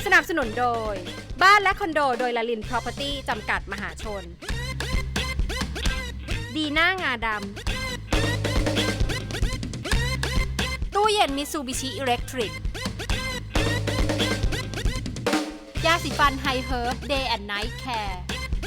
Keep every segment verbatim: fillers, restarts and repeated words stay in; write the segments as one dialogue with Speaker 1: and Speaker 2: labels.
Speaker 1: นับสนุนโดยบ้านและคอนโดโดยลลิน Property จำกัดมหาชนดีน่างาดำตู้เย็นมิซูบิชิอิเล็กทริกยาสีฟันไฮเฮิร์บ Day and Night Care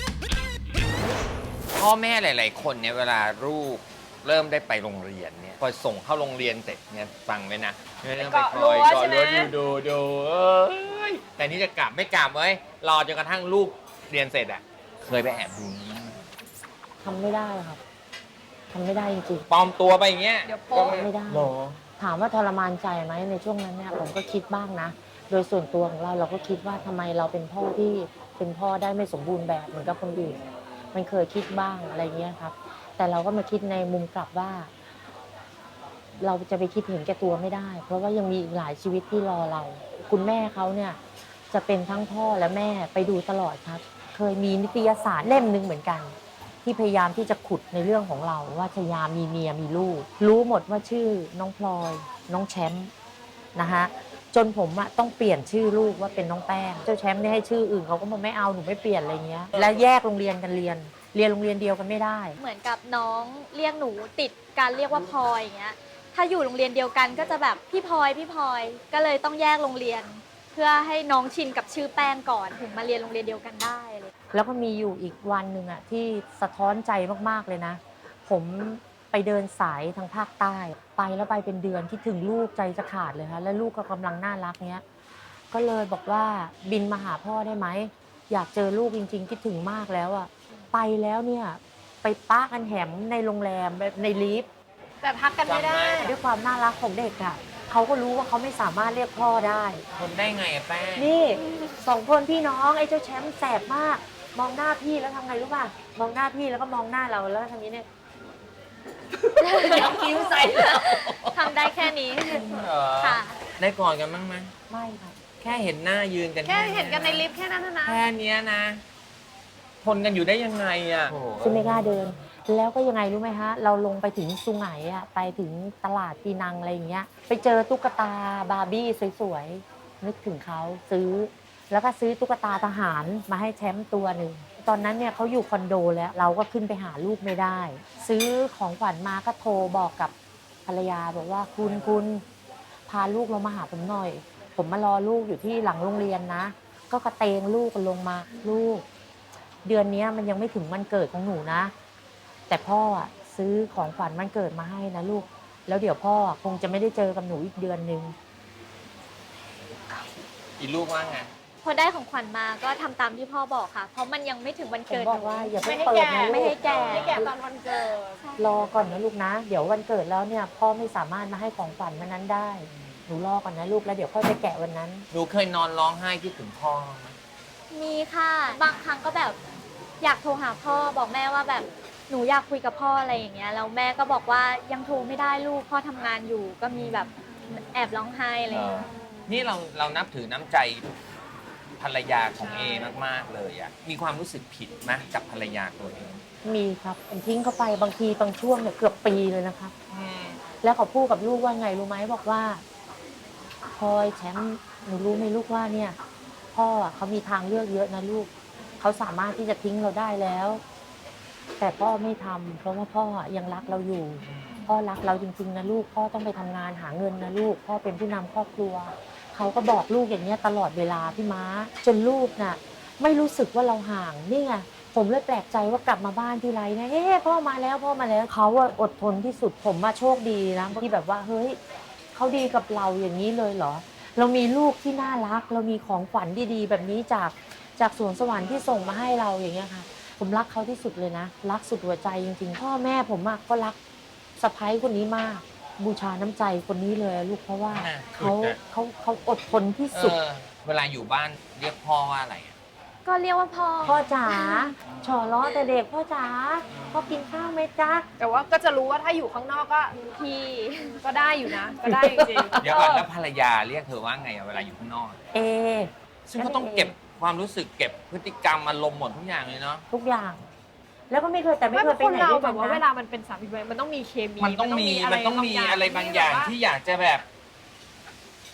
Speaker 2: พ่อแม่หลายๆคนเนี่ยเวลาลูกเริ่มได้ไปโรงเรียนเนี่ยพอส่งเข้าโรงเรียนเสร็จเนี่ยฟังไว้นะไม่ต้องไปคอยเกาะรั้วดูดูดูเอ้ยแต่นี่จะกลับไม่กลับเว้ยรอจนกระทั่งลูกเรียนเสร็จอ่ะเคยไปแอบดูมั้ย
Speaker 3: ทำไม่ได้ครับทำไม่ได้จริงๆ
Speaker 2: ปลอมตัวไปอย่างเงี้ย
Speaker 4: เดี๋ยว
Speaker 3: ก็
Speaker 4: โป๊ะ
Speaker 3: ไม่ได้
Speaker 2: หรอ
Speaker 3: ถามว่าทรมานใจไหมในช่วงนั้นเนี่ยผมก็คิดบ้างนะ โดยส่วนตัวของเราเราก็คิดว่าทำไมเราเป็นพ่อที่เป็นพ่อได้ไม่สมบูรณ์แบบเหมือนกับคนอื่นมันเคยคิดบ้างอะไรเงี้ยครับ แต่เราก็มาคิดในมุมกลับว่า เราจะไปคิดเห็นแก่ตัวไม่ได้ เพราะว่ายังมีอีกหลายชีวิตที่รอเรา คุณแม่เขาเนี่ยจะเป็นทั้งพ่อและแม่ไปดูตลอดครับ เคยมีนิตยสารเล่มหนึ่งเหมือนกัน ที่พยายามที่จะขุดในเรื่องของเราว่าชยามีเมียมีลูก รู้หมดว่าชื่อน้องพลอย น้องแชมป์นะฮะจนผมอะต้องเปลี่ยนชื่อลูกว่าเป็นน้องแป้งเจ้าแชมป์เนี่ยให้ชื่ออื่นเขาก็มาไม่เอาหนูไม่เปลี่ยนอะไรเงี้ยและแยกโรงเรียนกันเรียน เรียนโรงเรียนเดียวกันไม่ได้
Speaker 4: เหมือนกับน้องเรียกหนูติดการเรียกว่าพลอยอย่างเงี้ย ถ้าอยู่โรงเรียนเดียวกันก็จะแบบพี่พลอยพี่พลอย ก็เลยต้องแยกโรงเรียน เพื่อให้น้องชินกับชื่อแป้งก่อนถึงมาเรียนโรงเรียนเดียวกันได้เลย
Speaker 3: แล้วก็มีอยู่อีกวันหนึ่งอะที่สะท้อนใจมากๆเลยนะ ผมไปเดินสายทางภาคใต้ ไปแล้วไปเป็นเดือนคิดถึงลูกใจจะขาดเลยค่ะและลูกก็กำลังน่ารักเนี้ยก็เลยบอกว่าบินมาหาพ่อได้ไหมอยากเจอลูกจริงๆคิดถึงมากแล้วอะไปแล้วเนี่ยไปปะกันแหมในโรงแรมแบบในลิฟต์
Speaker 4: แต่ทักกันไม่ได้
Speaker 3: ด้วยความน่ารักของเด็กอะเขาก็รู้ว่าเขาไม่สามารถเรียกพ่อได้
Speaker 2: ทนได้ไงอะแป้ง
Speaker 3: นี่สองคนพี่น้องไอ้เจ้าแชมป์แสบมาก มองหน้าพี่แล้วทำไงรู้ป่ะมองหน้าพี่แล้วก็มองหน้าเราแล้วทำนี้เนี่ยยังคิ้วใส่แล้ว
Speaker 4: ทำได้แค่นี้
Speaker 2: เหรอ
Speaker 4: ค่ะ
Speaker 2: ได้ก่อนกันบ้างไหม
Speaker 3: ไม่ค่ะ
Speaker 2: แค่เห็นหน้ายืนกัน
Speaker 4: แค่เห็นกันในลิฟต์แค่นั้นนะ
Speaker 2: แค่เนี้ยนะ ทนกันอยู่ได้ยังไงอ่ะ
Speaker 3: ซึ่งไม่กล้าเดิน แล้วก็ยังไงรู้ไหมฮะ เราลงไปถึงสุไหงอะไปถึงตลาดปีนังอะไรอย่างเงี้ย ไปเจอตุ๊กตาบาร์บี้สวยๆ นึกถึงเขาซื้อ แล้วก็ซื้อตุ๊กตาทหารมาให้แชมป์ตัวหนึ่ง ตอนนั้นเนี่ยเขาอยู่คอนโดแล้ว เราก็ขึ้นไปหาลูกไม่ได้ ซื้อของขวัญมาก็โทรบอกกับภรรยาบอกว่าคุณคุณพาลูกเรามาหาผมหน่อย ผมมารอลูกอยู่ที่หลังโรงเรียนนะ ก็กระเตงลูกกันลงมาลูก เดือนนี้มันยังไม่ถึงวันเกิดของหนูนะ แต่พ่ออะซื้อของขวัญวันเกิดมาให้นะลูก แล้วเดี๋ยวพ่อคงจะไม่ได้เจอกับหนูอีกเดือนนึง
Speaker 2: อีลูกว่าไง
Speaker 4: พอได้ของขวัญมาก็ทำตามที่พ่อบอกค่ะ เพราะมันยังไม่ถึงวัน
Speaker 3: ผม
Speaker 4: เกิด
Speaker 3: บอกว่าอย่าเพิ่ง
Speaker 4: ไม่ให้
Speaker 3: เปิด
Speaker 4: แก่
Speaker 3: นะลูก
Speaker 4: ไม่ให้แก่
Speaker 3: ไม่ให้แก่
Speaker 4: ตอนวันเกิด
Speaker 3: รอก่อนนะลูกนะ เดี๋ยววันเกิดแล้วเนี่ยพ่อไม่สามารถมาให้ของขวัญวันนั้นได้ หนูรอก่อนนะลูกแล้วเดี๋ยวพ่อจะแกะวันนั้น
Speaker 2: หนูเคยนอนร้องไห้คิดถึงพ่อไหม
Speaker 4: มีค่ะ บางครั้งก็แบบอยากโทรหาพ่อบอกแม่ว่าแบบหนูอยากคุยกับพ่ออะไรอย่างเงี้ยแล้วแม่ก็บอกว่ายังโทรไม่ได้ลูกพ่อทำงานอยู่ก็มีแบบแอบร้องไห้อะไรอย่างเงี้ย
Speaker 2: นี่เราเรานับถือน้ำใจภรรยาของเอมากๆเลยอ่ะ มีความรู้สึกผิดไหมกับภรรยาตัวเอง
Speaker 3: มีครับผมทิ้งเขาไปบางทีบางช่วงเนี่ยเกือบปีเลยนะครับ
Speaker 2: อืม
Speaker 3: แล้วเขาพูดกับลูกว่าไงรู้ไหมบอกว่าพลอยแชมป์หนูรู้ไหมลูกว่าเนี่ย พ่ออะเขามีทางเลือกเยอะนะลูกเขาสามารถที่จะทิ้งเราได้แล้ว แต่พ่อไม่ทำเพราะว่าพ่อยังรักเราอยู่ พ่อรักเราจริงๆนะลูกพ่อต้องไปทำงานหาเงินนะลูกพ่อเป็นผู้นำครอบครัวเขาก็บอกลูกอย่างเนี้ยตลอดเวลาพี่ม้า จนลูกน่ะไม่รู้สึกว่าเราห่างนี่ไงผมเลยแปลกใจว่ากลับมาบ้านทีไรนะเฮ้พ่อมาแล้วพ่อมาแล้วเขาอะอดทนที่สุดผมมาโชคดีนะที่แบบว่าเฮ้ยเขาดีกับเราอย่างนี้เลยเหรอ เรามีลูกที่น่ารัก เรามีของขวัญดีๆแบบนี้จากจากสวนสวรรค์ที่ส่งมาให้เราอย่างเงี้ยค่ะผมรักเขาที่สุดเลยนะรักสุดหัวใจจริงๆพ่อแม่ผมอะก็รักสะใภ้คนนี้มาก บูชาน้ำใจคนนี้เลยลูกเพราะว่าเขาเขาเขาอดทนที่สุด
Speaker 2: เออเวลาอยู่บ้านเรียกพ่อว่าอะไรอะ
Speaker 4: ก็เรียกว่าพ่อ
Speaker 3: พ่อจ๋าฉอล้อแต่เด็กพ่อจ๋าพ่อกินข้าวไหมจ๊ะ
Speaker 5: แต่ว่าก็จะรู้ว่าถ้าอยู่ข้างนอกก็พี่ก็ได้อยู่นะ ก็ได้จริงๆ
Speaker 2: เดี๋ยวก่อนแล้วภรรยาเรียกเธอว่าไงอะเวลาอยู่ข้างนอก
Speaker 3: เอ
Speaker 2: ซึ่งเขาต้องเก็บความรู้สึกเก็บพฤติกรรมอารมณ์หมดทุกอย่างเลยเนาะ
Speaker 3: ทุกอย่าง แล้วก็ไม่เคยแต่ไม่
Speaker 5: ไม่
Speaker 3: เคยไป
Speaker 5: คน
Speaker 3: ไหน
Speaker 5: เรา
Speaker 3: ด้วย
Speaker 5: แบ
Speaker 3: กัน
Speaker 5: บว่าเว
Speaker 3: นะ
Speaker 5: ลามันเป็นสามีภรรยามันต้องมีเคมี
Speaker 2: มันต้องมีมันต้องมีอะไรบางอย่างที่อยากจะแบบ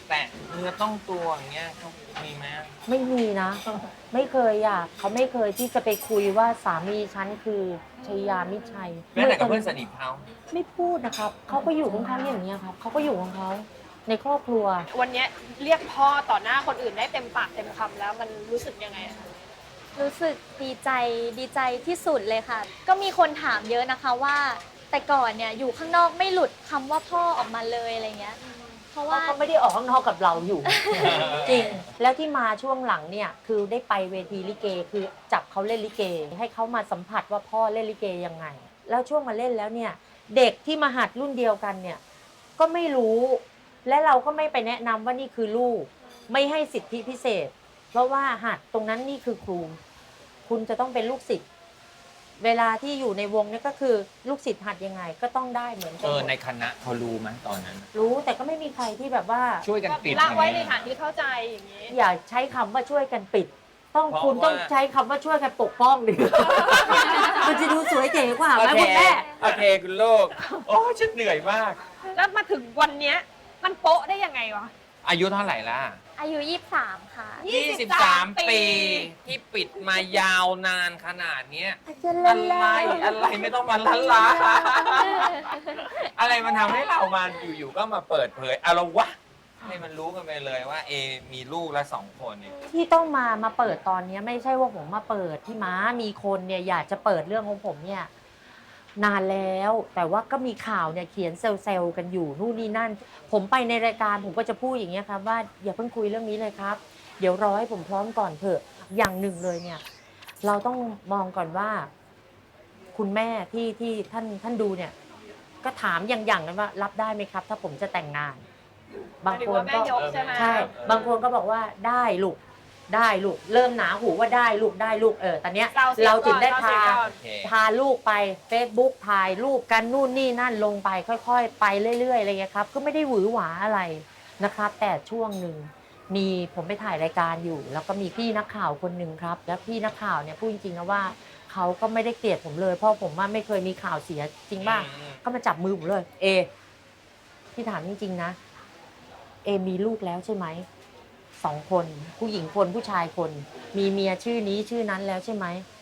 Speaker 2: แตะเนื้อต้องตัวอย่างเงี้ยเขามีไหม
Speaker 3: ไม่มีนะ ไม่เคยอ่ะเขาไม่เคยที่จะไปคุยว่าสามีฉันคือชยามิตรชัย
Speaker 2: แม้แต่กับเพื่อนสนิทเขา
Speaker 3: ไม่พูดนะครับเขาก็อยู่ของเขาอย่างนี้ยครับเขาก็อยู่ของเขาในครอบครัว
Speaker 5: วันเนี้ยเรียกพ่อต่อหน้าคนอื่นได้เต็มปากเต็มคำแล้วมันรู้สึกยังไงอะ
Speaker 4: รู้สึกดีใจดีใจที่สุดเลยค่ะ ก็มีคนถามเยอะนะคะว่า แต่ก่อนเนี่ยอยู่ข้างนอกไม่หลุดคำว่าพ่อออกมาเลยอะไรเงี้ย เพราะ
Speaker 3: ว่า
Speaker 4: ว่า
Speaker 3: เขาไม่ได้ออกข้างนอกกับเราอยู่ จริง แล้วที่มาช่วงหลังเนี่ยคือได้ไปเวทีลิเกคือจับเขาเล่นลิเก ให้เขามาสัมผัสว่าพ่อเล่นลิเกยังไง แล้วช่วงมาเล่นแล้วเนี่ยเด็กที่มาหัดรุ่นเดียวกันเนี่ยก็ไม่รู้ และเราก็ไม่ไปแนะนำว่านี่คือลูก ไม่ให้สิทธิพิเศษ เพราะว่าหัดตรงนั้นนี่คือครู คุณจะต้องเป็นลูกศิษย์เวลาที่อยู่ในวงเนี่ยก็คือลูกศิษย์หัดยังไงก็ต้องได้เหมือนกั
Speaker 2: เออในคณะเขารู้ไหมตอนนั้น
Speaker 3: รู้แต่ก็ไม่มีใครที่แบบว่า
Speaker 2: ช่วยกันปิด
Speaker 5: ละไว้ใน
Speaker 2: อย่าง
Speaker 5: ฐาน
Speaker 2: เงี้ย
Speaker 5: ที่เข้าใจอย่างนี้
Speaker 3: อย่าใช้คำว่าช่วยกันปิด ต้อง
Speaker 2: เพราะ
Speaker 3: คุณต้อง
Speaker 2: ว่า
Speaker 3: ใช้คำว่าช่วยกันปกป้องดิ มันจะดูสวยเก๋กว่าไหมคุณแม่
Speaker 2: โอเคคุณลูกโอ้ฉันเหนื่อยมาก
Speaker 5: แล้วมาถึงวันเนี้ยมันโป๊ะได้ยังไงวะ
Speaker 2: อายุเท่าไหร่ล่ะ
Speaker 4: อายุยี่สิบสามค่ะ
Speaker 5: ยี่สิบสาม
Speaker 2: ปี
Speaker 5: ปี
Speaker 2: ที่ปิดมายาวนานขนาดเนี้ย
Speaker 3: จะ
Speaker 2: อะ
Speaker 3: เล่น
Speaker 2: ไรอะไรไม่ต้องมาลันลา อะไรมันทำให้เรามาอยู่ๆก็มาเปิดเผยเอาละวะให้มันรู้กันไปเลยว่าเอมีลูกละสองคนเนี่ย
Speaker 3: ที่ต้องมามาเปิดตอนนี้ไม่ใช่ว่าผมมาเปิดที่ม้ามีคนเนี่ยอยากจะเปิดเรื่องของผมเนี่ยนานแล้วแต่ว่าก็มีข่าวเนี่ยเขียนเซลล์กันอยู่นู่นนี่นั่น ผมไปในรายการผมก็จะพูดอย่างเงี้ยครับว่าอย่าเพิ่งคุยเรื่องนี้เลยครับ เดี๋ยวรอให้ผมพร้อมก่อนเถอะอย่างหนึ่งเลยเนี่ยเราต้องมองก่อนว่า คุณแม่ที่ที่ท่านท่านดูเนี่ยก็ถามอย่างๆกันว่ารับได้ไหมครับ ถ้าผมจะแต่งงาน บางคน
Speaker 5: หมายถึงว่าแม่
Speaker 3: ก็
Speaker 5: ยกใช่ไหม
Speaker 3: ใช่บางคนก็บอกว่าได้ลูกได้ลูกเริ่มหนาหูว่าได้ลูกได้ลูกเออตอนเนี้ย
Speaker 5: เราเสีย
Speaker 3: เราถึงได้
Speaker 5: ก่อน
Speaker 3: พา
Speaker 5: เราเสียก่อน
Speaker 2: โอเค
Speaker 3: พาลูกไป Facebook ถ่ายรูปกันนู่นนี่นั่นลงไปค่อยๆ ไปเรื่อยๆอะไรเงี้ยครับก็ไม่ได้หวือหวาอะไรนะครับ แต่ช่วงหนึ่งมีผมไปถ่ายรายการอยู่ แล้วก็มีพี่นักข่าวคนหนึ่งครับ แล้วพี่นักข่าวเนี่ยพูดจริงๆนะว่าเขาก็ไม่ได้เกลียดผมเลยเพราะผมว่าไม่เคยมีข่าวเสียจริงป่ะ
Speaker 2: อืม
Speaker 3: ก็มาจับมือผมเลยเอพี่ถามจริงๆนะเอมีลูกแล้วใช่ไหมสองคนผู้หญิงคนผู้ชายคน มีเมียชื่อนี้ชื่อนั้นแล้วใช่ไหม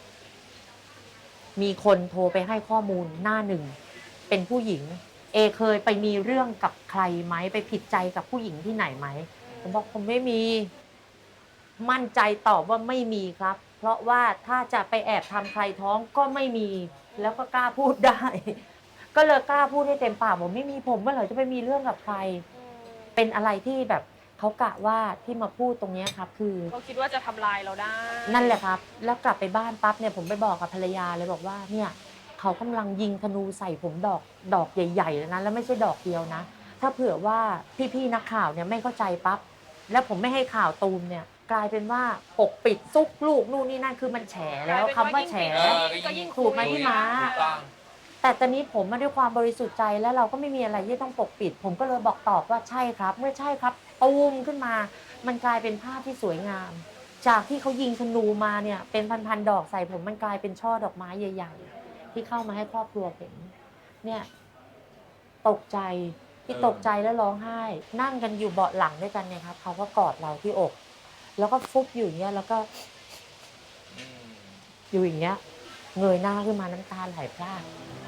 Speaker 3: มีคนโทรไปให้ข้อมูลหน้าหนึ่งเป็นผู้หญิง เอเคยไปมีเรื่องกับใครไหมไปผิดใจกับผู้หญิงที่ไหนไหมผมบอกผมไม่มี มั่นใจตอบว่าไม่มีครับ เพราะว่าถ้าจะไปแอบทำใครท้องก็ไม่มี แล้วก็กล้าพูดได้ ก็เลยกล้าพูดให้เต็มปากผมไม่มีผมเมื่อไหร่จะไปมีเรื่องกับใคร เป็นอะไรที่แบบเขากะว่าที่มาพูดตรงเนี้ยครับ คือ
Speaker 5: เขาคิดว่าจะทำลายเราได้
Speaker 3: นั่นแหละครับ แล้วกลับไปบ้านปั๊บเนี่ยผมไปบอกกับภรรยาเลยบอกว่าเนี่ยเขากำลังยิงธนูใส่ผมดอกดอกใหญ่ๆแล้วนะแล้วไม่ใช่ดอกเดียวนะ ถ้าเผื่อว่าพี่ๆนักข่าวเนี่ยไม่เข้าใจปั๊บแล้วผมไม่ให้ข่าวตูมเนี่ยกลายเป็นว่าปกปิดซุกลูกนู่นนี่นั่นคือมันแฉแล้วคำว่าแฉ
Speaker 2: เออ
Speaker 5: ก็ยิ่ง
Speaker 3: ถูกไหมพี่ม้า
Speaker 2: ถูกต้อง
Speaker 3: แต่ตอนนี้ผมมาด้วยความบริสุทธิ์ใจแล้วเราก็ไม่มีอะไรที่ต้องปกปิด ผมก็เลยบอกตอบว่าใช่ครับ เมื่อใช่ครับตูมขึ้นมา มันกลายเป็นภาพที่สวยงาม จากที่เขายิงธนูมาเนี่ยเป็นพันๆดอกใส่ผมมันกลายเป็นช่อดอกไม้ใหญ่ ๆ ที่เข้ามาให้ครอบครัวเห็นเนี่ยตกใจที่ตกใจแล้วร้องไห้ นั่งกันอยู่เบาะหลังด้วยกันเนี่ยครับเขาก็กอดเราที่อก แล้วก็ฟุบอยู่อย่างเงี้ยแล้วก็
Speaker 2: อืม
Speaker 3: อยู่อย่างเงี้ยเงยหน้าขึ้นมาน้ำตาไหลพราก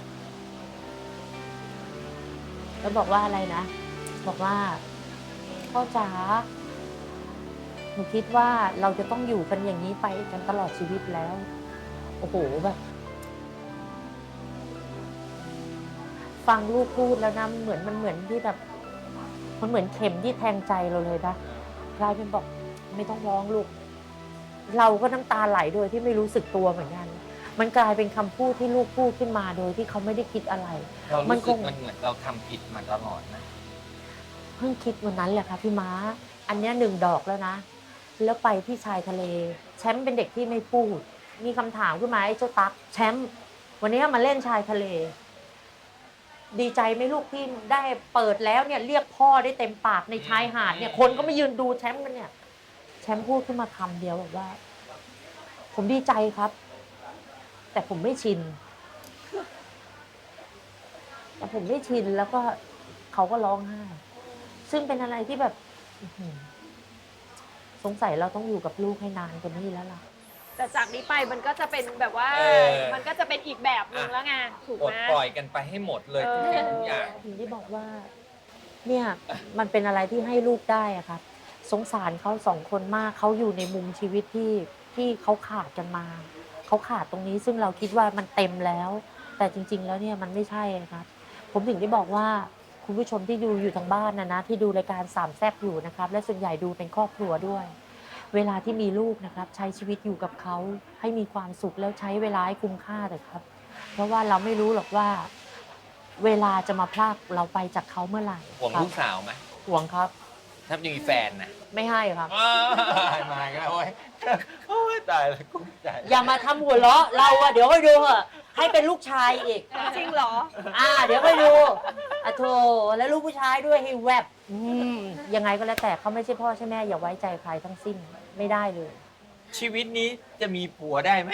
Speaker 3: แล้วบอกว่าอะไรนะ บอกว่าพ่อจ๋าหนูคิดว่าเราจะต้องอยู่กันอย่างนี้ไปกันตลอดชีวิตแล้ว โอ้โหแบบฟังลูกพูดแล้วนะเหมือนมันเหมือนที่แบบ มันเหมือนเข็มที่แทงใจเราเลยนะกลายเป็นบอกไม่ต้องร้องลูก เราก็น้ำตาไหลโดยที่ไม่รู้สึกตัวเหมือนกัน มันกลายเป็นคำพูดที่ลูกพูดขึ้นมาโดยที่เขาไม่ได้คิดอะไร
Speaker 2: เรา
Speaker 3: มั
Speaker 2: รู้
Speaker 3: ค
Speaker 2: สึก
Speaker 3: ง
Speaker 2: มันเหมือนเราทำผิดมาตลอดนะ
Speaker 3: เพิ่งคิดวันนั้นแหละค่ะพี่ม้า อันเนี้ยหนึ่งดอกแล้วนะ แล้วไปที่ชายทะเล แชมป์เป็นเด็กที่ไม่พูด มีคำถามขึ้นมาไอ้เจ้าตั๊กแชมป์วันนี้มาเล่นชายทะเล ดีใจไหมลูกที่ได้เปิดแล้วเนี่ยเรียกพ่อได้เต็มปากในชายหาดเนี่ยคนก็มายืนดูแชมป์กันเนี่ย แชมป์พูดขึ้นมาคำเดียวบอกว่า ผมดีใจครับ แต่ผมไม่ชิน แต่ผมไม่ชินแล้วก็เขาก็ร้องไห้ ซึ่งเป็นอะไรที่แบบอื้อหือสงสัยเราต้องอยู่กับลูกให้นานกว่านี้แล้วล่ะ
Speaker 5: แต่จากนี้ไปมันก็จะเป็นแบบว่า
Speaker 2: เออ
Speaker 5: มันก็จะเป็นอีกแบบหนึงแล้วไงถูก
Speaker 2: ปล
Speaker 5: ไห
Speaker 2: ด
Speaker 5: ม
Speaker 2: ปล่อยกันไปให้หมดเลย
Speaker 5: เอ
Speaker 2: ทุ
Speaker 5: อ
Speaker 2: กสิ่งทุกอย่าง
Speaker 3: ถึงได้บอกว่า เนี่ยมันเป็นอะไรที่ให้ลูกได้อะครับ สงสารเขาสองคนมากเขาอยู่ในมุมชีวิตที่ที่เขาขาดกันมาเขาขาดตรงนี้ซึ่งเราคิดว่ามันเต็มแล้ว แต่จริง ๆ แล้วเนี่ยมันไม่ใช่ครับ ผมถึงได้บอกว่าคุณผู้ชมที่ดูอยู่ทางบ้านนะนะที่ดูรายการสามแซ่บอยู่นะครับ และส่วนใหญ่ดูเป็นครอบครัวด้วย เวลาที่มีลูกนะครับ ใช้ชีวิตอยู่กับเขาให้มีความสุขแล้วใช้เวลาให้คุ้มค่าเถอะครับ เพราะว่าเราไม่รู้หรอกว่า เวลาจะมาพรากเราไปจากเขาเมื่อไหร่
Speaker 2: ห่วง
Speaker 3: ครับ
Speaker 2: ลูกสาวไหม
Speaker 3: ห่วงครับ
Speaker 2: ถ้ามีแฟนนะ
Speaker 3: ไม่ให้ครับ
Speaker 2: อ้าวมาอีกแล้วโอ้ยโอ้ยตายแล้วกุ้มใจ
Speaker 3: อย่ามาทำหัวเราะเราอะเดี๋ยวค่อยดูเหอะให้เป็นลูกชายอีก
Speaker 5: จริงเหรอ
Speaker 3: อ่า เดี๋ยวค่อยดูอะโธแล้วลูกผู้ชายด้วยให้แวบอืมยังไงก็แล้วแต่เขาไม่ใช่พ่อใช่แม่อย่าไว้ใจใครทั้งสิ้นไม่ได้เลย
Speaker 2: ชีวิตนี้จะมีผัวได้ไหม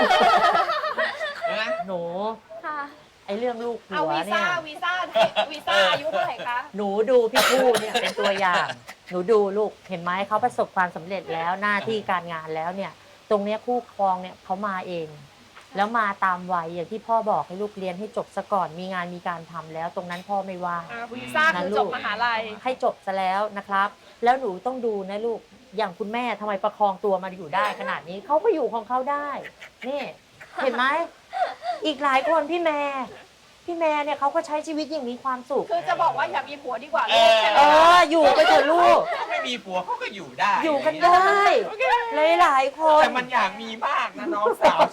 Speaker 2: นะ
Speaker 3: หนู
Speaker 4: ค่ะ
Speaker 3: ไอ้เรื่องลูก
Speaker 5: เอา
Speaker 3: ผัว
Speaker 5: วี
Speaker 3: เนี่
Speaker 5: ซ่าย วีซ่าวีซ่าอายุเท่าไหร่คะ
Speaker 3: หนูดูพี่ผู้เนี่ยเป็นตัวอย่าง หนูดูลูกเห็นไหมเขาประสบความสำเร็จแล้วหน้าที่การงานแล้วเนี่ย ตรงเนี้ยคู่ครองเนี่ยเขามาเอง แล้วมาตามวัยอย่างที่พ่อบอกให้ลูกเรียนให้จบซะก่อนมีงานมีการทำแล้ว ตรงนั้นพ่อไม่ว่า
Speaker 5: อ่าวีซ่าคือจบมหาลัย
Speaker 3: ให้จบซะแล้วนะครับ แล้วหนูต้องดูนะลูก อย่างคุณแม่ทำไมประคองตัวมาอยู่ได้ขนาดนี้ เขาก็อยู่ของเขาได้ นี่ เห็นไหม อีกหลายคนพี่แม่ พี่แม่เนี่ยเขาก็ใช้ชีวิตอย่างมีความสุข
Speaker 5: คือจะบอกว่าอย่ามีผัวดีกว่าลูกใช่ไห
Speaker 3: เอ
Speaker 5: ม
Speaker 3: อ อยู่ไปเถอะลูก
Speaker 2: ถ้าไม่มีผัวเขาก็อยู่ได้
Speaker 3: อยู่กันได้ หลายๆคน
Speaker 2: แต่มันอยากมีมากนะน้องสาว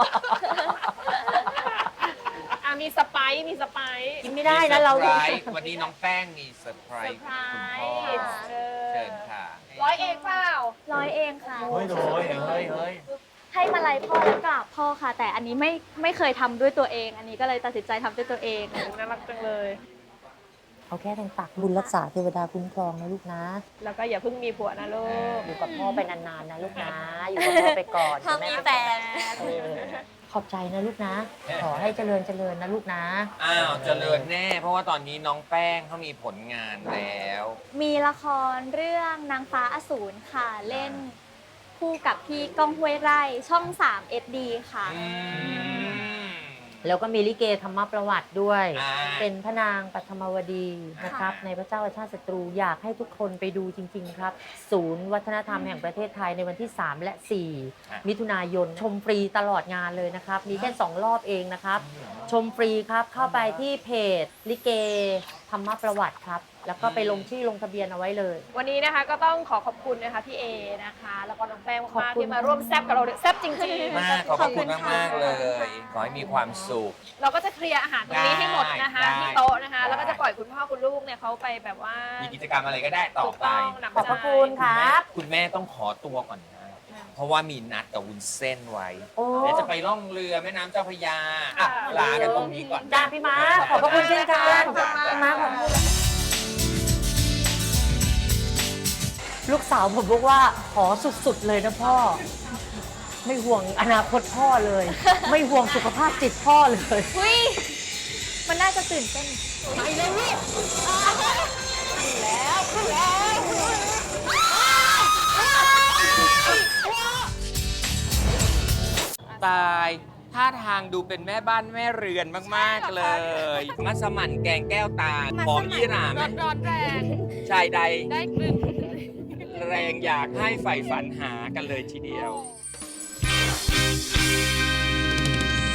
Speaker 5: อ่ะมีสไปซ์มีสไปซ์
Speaker 3: กินไม่ได้นะเรา
Speaker 2: มีซอร์ไพรส์วันนี้น้องแป้งมีเซอร์ไพร
Speaker 5: เซอ
Speaker 2: ส์
Speaker 5: ร์ไพร
Speaker 2: คุณพ่อ
Speaker 5: ส์เออ
Speaker 2: เชิญค่ะ
Speaker 5: ร้อยเองเปล่า
Speaker 4: ร้อยเองค่ะ
Speaker 2: เฮ้ยเฮ้ยเฮ้ยเฮ้ย
Speaker 4: ให้มาลัยพ่อและกราบพ่อค่ะ แต่อันนี้ไม่ไม่เคยทำด้วยตัวเอง อันนี้ก็เลยตัดสินใจทำด้วยตัวเอง
Speaker 5: น่ารักจังเลย
Speaker 3: เอาแค่ทางตักบุญรักษาเทวดาคุ้มครองนะลูกนะ
Speaker 5: แล้วก็อย่าเพิ่งมีผัวนะลูก
Speaker 3: อยู่กับพ่อไปนานๆนะลูกนะ อยู่กับพ่อไปก่อน
Speaker 4: ถ้ามีแฟน
Speaker 3: เออขอบใจนะลูกนะ ขอให้เจริญเจริญนะลูกนะ
Speaker 2: อ้าวเจริญแน่ เพราะว่าตอนนี้น้องแป้งเขามีผลงานแล้ว
Speaker 4: มีละครเรื่องนางฟ้าอสูรค่ะ เล่นคู่กับพี่ก้องห้วยไร่ช่องสาม เอส ดี ค่ะ
Speaker 2: อืม
Speaker 3: แล้วก็มีลิเกธรรมประวัติด้วย
Speaker 2: อ่า
Speaker 3: เป็นพระนางปัทมวดีนะครับ ในพระเจ้าอาชาติศัตรูอยากให้ทุกคนไปดูจริง ๆ ครับ ศูนย์วัฒนธรรมแห่งประเทศไทยในวันที่ สาม และ สี่ มิถุนายนชมฟรีตลอดงานเลยนะครับ มีแค่สองรอบเองนะครับ ชมฟรีครับเข้าไปที่เพจลิเกธรรมประวัติครับ แล้วก็ไปลงชื่อลงทะเบียนเอาไว้เลย
Speaker 5: วันนี้นะคะก็ต้องขอขอบคุณนะคะพี่เอนะคะ แล้วก็น้องแป้ง
Speaker 3: ขอบ
Speaker 5: มากๆ
Speaker 3: คุณ
Speaker 5: ที่มาร่วมแซ่บกับเราด้วยแซ่บจริง
Speaker 2: มากขอบคุณมากมากๆเลย ขอให้มีความสุข
Speaker 5: ๆ เราก็จะเคลียร์อาหารตรงนี้ให้หมดนะคะ
Speaker 2: ได้
Speaker 5: ที่โต๊ะนะคะ
Speaker 2: ได้
Speaker 5: แล้วก็จะปล่อยคุณพ่อคุณลูกเนี่ยเขาไปแบบว่า
Speaker 2: มีกิจกรรมอะไรก็ได้ต่อ
Speaker 5: ถูก
Speaker 2: ไป
Speaker 5: ต้องหนัก
Speaker 3: ขอบพระคุณครับ
Speaker 2: คุณแม่ต้องขอตัวก่อนนะ เพราะว่ามีนัดกับวุ้นเส้นไว้
Speaker 3: โอ้
Speaker 2: เดี๋ยวจะไปล่องเรือแม่น้ำเจ้าพระยาอ่ะลากันตรงนี้ก่อน
Speaker 3: จ้าพี่มาร์คขอบพระคุณเช่นกันพี่มาร์คขอบคุณลูกสาวผมบอกว่าขอสุดๆเลยนะพ่อ ไม่ห่วงอนาคตพ่อเลย ไม่ห่วงสุขภาพจิตพ่อเลย
Speaker 4: อุ้ย มันน่าจะตื่นเต้น
Speaker 2: ตายท่าทางดูเป็นแม่บ้านแม่เรือนมาก ๆ เลย มัสมั่นแกงแก้วตาหอมยี่หร่าไหม
Speaker 5: ร้อนแรง
Speaker 2: ชายใด
Speaker 5: ได้กลิ่น
Speaker 2: แรงอยากให้ใฝ่ฝันหากันเลยทีเดียว